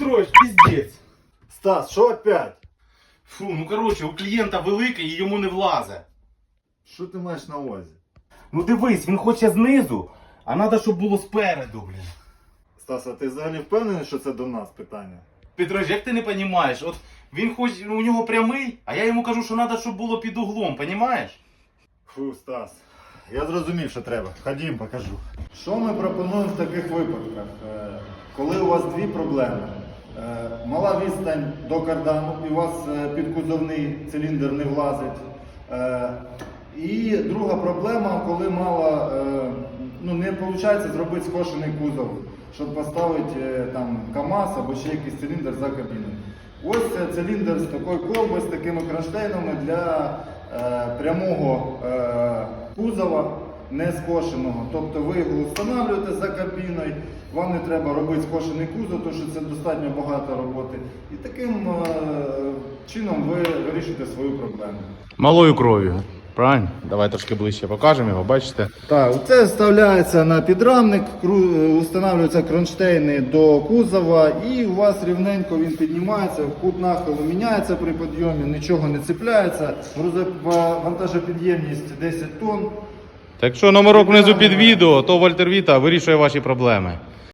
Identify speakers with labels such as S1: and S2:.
S1: Петрович, пиздец.
S2: Стас, що опять?
S1: Фу, ну короче, у клієнта великий і йому не влазе.
S2: Що ти маєш на увазі?
S1: Ну дивись, він хоче знизу, а треба, щоб було спереду, блін.
S2: Стас, а ти взагалі впевнений, що це до нас питання?
S1: Петрович, як ти не розумієш? От він хоч у нього прямий, а я йому кажу, що треба, щоб було під углом, розумієш?
S2: Фу, Стас, я зрозумів, що треба. Ходім, покажу. Що ми пропонуємо в таких випадках? Коли у вас дві проблеми. Мала відстань до кардану і у вас підкузовний циліндр не влазить. І друга проблема, коли мало, не виходить зробити скошений кузов, щоб поставити там КАМАЗ або ще якийсь циліндр за кабіною. Ось це циліндр з такою колбою, з такими кронштейнами для прямого кузова, не скошеного. Тобто ви його встановлюєте за кабіною, вам не треба робити скошений кузов, тому що це достатньо багато роботи. І таким чином ви вирішуєте свою проблему.
S3: Малою кров'ю. Правильно? Давай трошки ближче покажемо його, бачите?
S2: Так, це вставляється на підрамник, встановлюються кронштейни до кузова і у вас рівненько він піднімається, кут нахилу міняється при підйомі, нічого не цепляється, вантажопідємність 10 тонн.
S3: Так що номерок внизу під відео, то Вольтер Віта вирішує ваші проблеми.